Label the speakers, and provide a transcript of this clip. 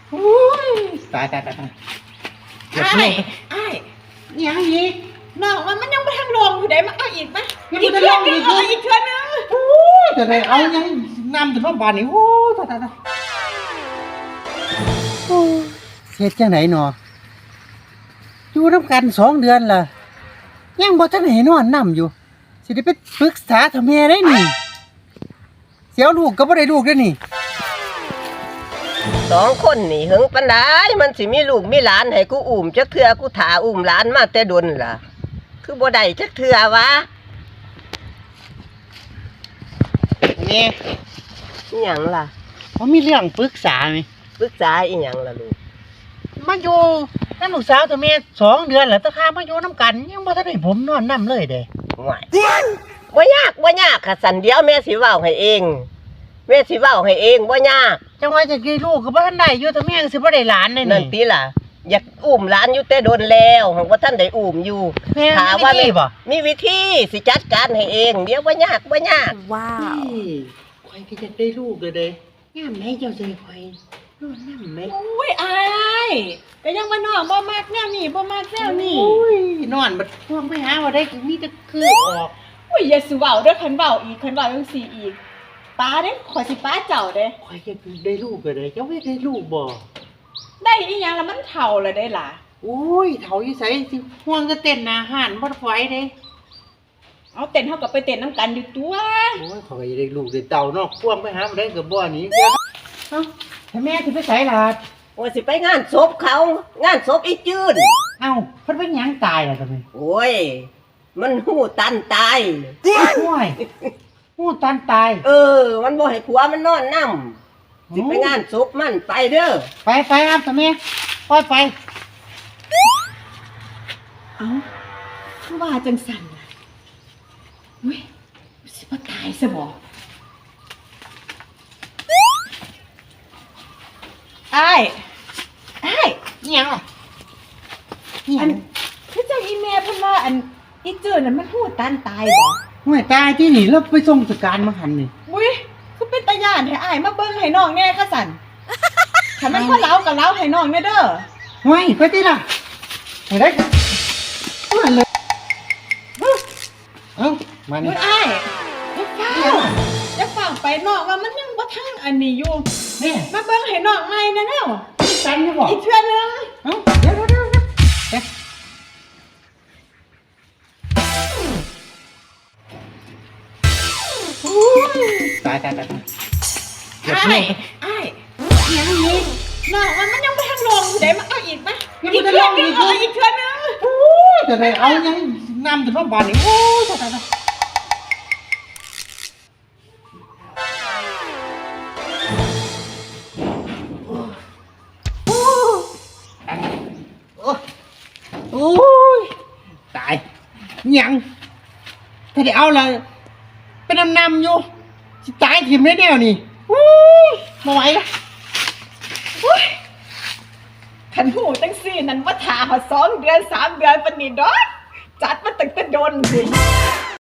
Speaker 1: โอ้ยตาย
Speaker 2: ไอ้
Speaker 1: ยังอีก
Speaker 2: น้องมันยังไม่ทันลงอยู่ได้มาเอาอีกมั้ย
Speaker 1: ยังไม่ได้ลงอีก
Speaker 2: อีกเทื่อนึง
Speaker 1: โอ้ยแต่เอายังนำถึงบ้านนี่โอ้ยตายเฮ็ดจังไหนหนออยู่นำกัน2 เดือนล่ะยังบ่ทันให้นอนนำอยู่สิได้ไปปรึกษาทำแม่ได้นี่เสียวลูกก็บ่ได้ลูกเด้อนี่
Speaker 3: 2 คนนี่หึงปานใดมันสิมีลูกมีหลานให้กูอุ้มจักเทื่อกูถ่าอุ้มหลานมาแต่ดนล่ะคือบ่ได้จักเทื่อวะ
Speaker 1: นี่
Speaker 3: อีหยังล่ะ
Speaker 1: บ่มีเรื่องปรึกษามั้ย
Speaker 3: ปรึกษาอีหยังล่ะลูก
Speaker 1: มาอยู่นำลูกสาวตัวแม่2 เดือนแล้วแต่ข้ามาอยู่นำกันยังบ่ทันได้ผมนอนนำเลยเด้
Speaker 3: ว้ายบ่ยากค่ะสันเดียวแม่สิเว้าให้เองบ่ยาก
Speaker 1: จังว่าจะกี่ลูกก็บ่ทันได้อยู่แต่แม่ก็สิบ่ได้หลานเลยนี่
Speaker 3: นั่นติล่ะอยากอุ้มหลานอยู่แต่โดนแล้วหังบ่ทันได้อุ้มอยู่ถามว่ามีวิธีสิจัดการให้เองเดี๋ยวบ่ยาก
Speaker 2: ว้าว
Speaker 1: ข่อยก็อยากได้ลูกเลยเด้ยามไหนเจ้าสิให้ข่อยนอนนำแม่
Speaker 2: อุ้ยอ้ายก็ยังว่าน้องบ่มักแนวนี้บ่มักแนวนี้
Speaker 1: อุ้ยนอนบัดพวงไปหาบ่ได้มีแต่คือออก
Speaker 2: อุ้ยอย่าสิเว้าเด้อคันเว้าจังซี่อีกป้าเด้ขอยสิป้าเจ้าเด้
Speaker 1: ข่อยอยากได้ลูกเลยเด้เจ้าได้ลูกบ่
Speaker 2: ได้อีหยังแล้วมันเฒ่าแล้วได้ล่ะ
Speaker 1: อุ้ยเฒ่าอยู่ไสสิห่วงจะเต้นหน้าห้านบ่ไหวเด้
Speaker 2: เอาเต้นเฮาก็ไปเต้นนํกันอยู่ตัว
Speaker 1: โอ้ยข่อยอยากได้ลูกได้เต้าเนาะพวงไปหาบ่ได้ก็บ่หนีเด้อเอ้าแม่สิไปไสล่ะ
Speaker 3: ว่าสิไปงานศพเขางานศพอีจื้น
Speaker 1: เอ้าเพิ่นเป็นหยังตายล่ะตอนนี้
Speaker 3: โอ้ยมันหู้ตันตาย
Speaker 1: โอ้ยหู้ตันตาย
Speaker 3: มันบ่ให้ผัวมันนอนนำสิไปงานศพมันไปเด้อ
Speaker 1: ไปครับแม่ปล่อยไป
Speaker 2: เอ้าคือว่าจังสั่นล่ะอุ้ยสิบ่ตายซะบ่อ้าย
Speaker 1: อิหยังล่ะ
Speaker 2: อันคือจังอีแม่เพิ่นว่าอันอีจื้อนั่นมันหูตันตายบ่
Speaker 1: ห่วยตายที่นี่แล้วไปส่งสการมาหันนี่
Speaker 2: อุ้ยคือเป็นตาย่านให้อ้ายมาเบิ่งให้น้องแน่ค่ะสั่นถ้ามันบ่เล้าก็เล้าให้น้องแน่เด้อ
Speaker 1: ห่วยไปติล่ะไปได้มาเลยเอ้ามานี่
Speaker 2: อ้ายอย่าฟังไปน้องว่ามันยังบ่ทันอันนี้อยู่
Speaker 1: นี่
Speaker 2: มาเบิ่งให้น้องใหม่แน่แนว
Speaker 1: ตันอยู่บ่
Speaker 2: อีกเทื่อนึง
Speaker 1: เอ้าเดี๋ยวตาย
Speaker 2: อ้ายยังอีกน้องมันยังบ่ทันลงอยู่ได้มาเอาอีกมั้ย
Speaker 1: อีกเทื่อนึงโอ้ยแต่ได้เอายังนำถึงบ้านนี่โอ้ยตายโอ้ยตายยังถ้าได้เอาละเป็นนำอยู่สิตายถิ่มได้แนวนี่โอ้ยบ่ไหวละ
Speaker 2: คันหูจังซี่นั่นว่าท่า2 เดือน 3 เดือนปานนี้ดอกจัดมาตั้งแต่โดนพุ่น